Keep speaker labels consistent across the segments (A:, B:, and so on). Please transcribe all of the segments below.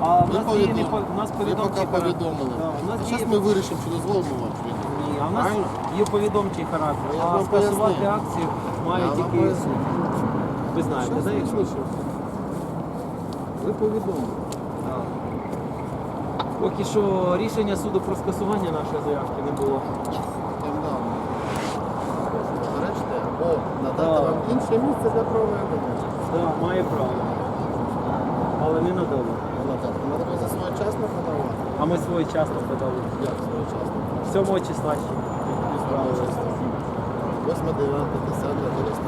A: А в
B: Ви
A: нас діє не
B: повідомили.
A: у нас
B: Ви
A: повідомчий
B: поки
A: характер.
B: повідомили.
A: Да, у нас
B: А
A: діє...
B: зараз ми вирішимо, чи дозволимо вам, чи ні.
A: Ні, а в нас
B: Правильно?
A: є повідомчий характер,
B: Я
A: а
B: вам
A: скасувати
B: пояснив.
A: акцію
B: Я
A: має
B: вам
A: тільки
B: пояснив.
A: суд. Ви знаєте,
B: Щас
A: так?
B: визначимо. Ви повідомили.
A: Поки що рішення суду про скасування нашої заявки не було.
B: Там дав. Заперечте, або надати
A: Так.
B: вам інше місце для проведення.
A: Так, має право. Але не надали.
B: Треба за своєчасно подавати.
A: А ми своєчасно подали.
B: Як своєчасно?
A: 7 числа ще.
B: 8, 9, 10, 11,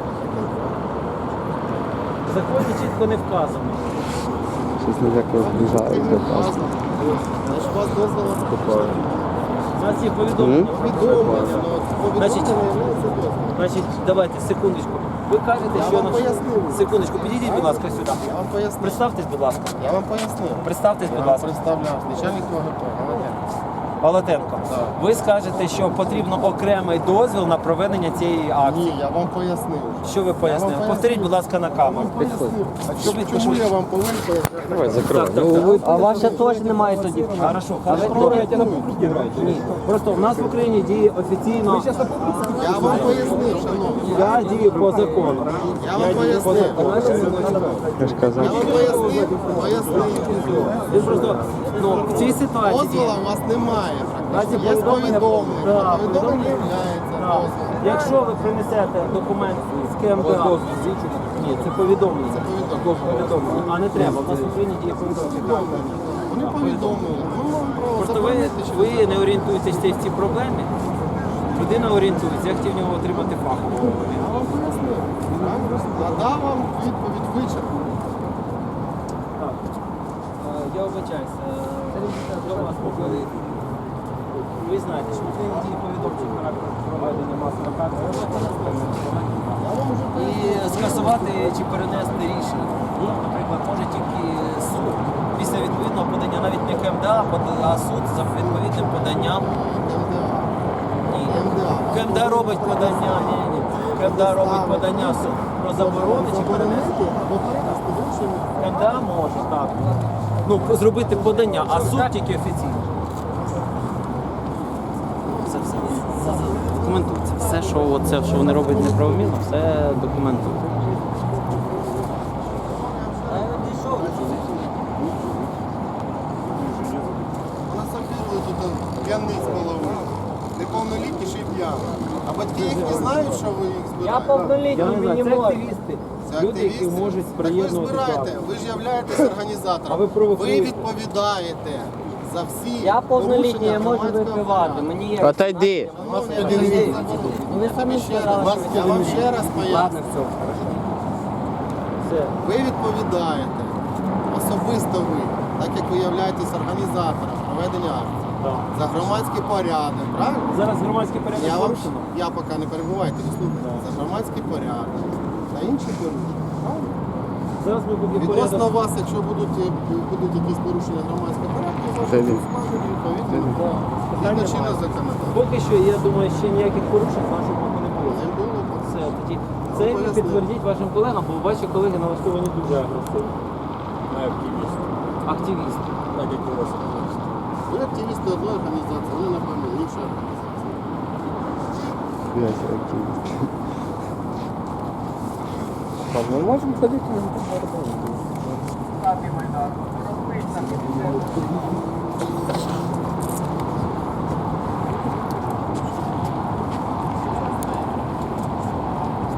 A: В законі чітко не вказано.
C: Щось не так розближається.
B: Значить, у вас дозволу
A: У нас є повідомлення.
B: повідомлення,
A: Значить,
B: повідомлення є дозвіл.
A: Значить, давайте, секундочку. Ви кажете,
B: Я
A: що...
B: вам
A: наш-
B: пояснив.
A: Секундочку, підійдіть, будь ласка, сюди.
B: Я вам пояснив.
A: Представтесь, будь ласка.
B: Я вам пояснив.
A: Представтесь,
B: Я
A: будь
B: вам
A: ласка.
B: представляв. Начальник ОГП.
A: Балатенко.
B: Так.
A: Ви скажете, що потрібно окремий дозвіл на проведення цієї акції.
B: Ні, я вам пояснив.
A: Що ви пояснили?
B: Я вам
A: Повторіть, будь ласка, на камеру.
B: Пояснив. А
A: Щоб ви
B: чому я вам повинен пояснити?
C: Давай закривай.
A: Так, так, так.
D: А ваша теж немає тоді.
A: Хорошо, хорошо. Ні. Просто в нас в Україні діє офіційно.
B: Я вам пояснив, шановні.
A: Я дію по закону.
B: Я вам пояснив.
C: Я ж казав.
B: Я вам пояснив.
A: Ви просто, ну, в цій ситуації
B: Дозвола у вас немає.
A: Разі
B: Є повідомлення.
A: Да,
B: Повідомлення є
A: Да.
B: дозволом.
A: Якщо ви принесете документ з КМДА, ні, це повідомлення.
B: Це повідомлення.
A: А не треба. У нас в Україні діє повідомлення.
B: Вони повідомили. Ну, вам право
A: Просто
B: заборонити, чи
A: ви не орієнтуєтесь в цій проблемі. Людина орієнтується, я хотів в нього отримати фахову.
B: Я вам пояснив. Надав вам відповідь вичерпну.
A: Так. Я вибачаюся. До вас поки ви знаєте, що в Україні діє повідомчий характер проведення масових акцій. І скасувати чи перенести рішення, наприклад, може тільки суд після відповідного подання, навіть не КМДА, а суд за відповідним поданням. Ні. КМДА робить подання, ні. КМДА робить подання в суд про заборону чи перенести.
B: Або перенести в іншому.
A: КМДА може, так. Ну, зробити подання, а суд тільки офіційно. Все документується. Все, що вони роблять неправомірно, все документується.
B: Вона сапірли тут п'яний з голови. Неповнолітні ще й п'яні. А батьки їх не знають, що ви їх
D: Я
B: збираєте?
D: повнолітній, мені
A: Це
D: можна.
A: активісти.
B: Це
A: Люди, які
B: активісти?
A: можуть
B: Так ви
A: приєднувати
B: збираєте,
A: акцію.
B: ви ж являєтесь організатором.
A: А ви провокуєте.
B: Ви відповідаєте за всі
D: Я повнолітній, я можу
B: порушення
D: випивати.
B: громадського
D: Мені є.
C: Отойди.
D: Вони самі сказали, що
B: Я вам ще раз поясню.
A: Ладно, все. Все.
B: Ви відповідаєте, особисто ви, так як ви являєтесь організатором проведення акції,
A: Так.
B: за громадський порядок, правильно?
A: Зараз громадський порядок
B: Я вам
A: порушено.
B: я поки не перебувайте, ви слухайте. За громадський порядок та інші порушення. Правильно?
A: Зараз ми будемо
B: Відносно
A: порядок.
B: вас, якщо будуть якісь порушення громадського порядку,
C: Це
B: ваші
C: він.
B: складені відповідно.
A: Питання
B: Згідно чинного
A: немає.
B: законодавства.
A: Поки що, я думаю, ще ніяких порушень нашого боку не було.
B: Не було.
A: Все, тоді це ви
B: пояснив.
A: підтвердіть вашим колегам, бо ваші колеги налаштовані дуже агресивно. Активісти.
B: Ви активісти одної організації, вони, напевно, іншої організації.
C: Ми можемо ходити на
D: Капі Майдан.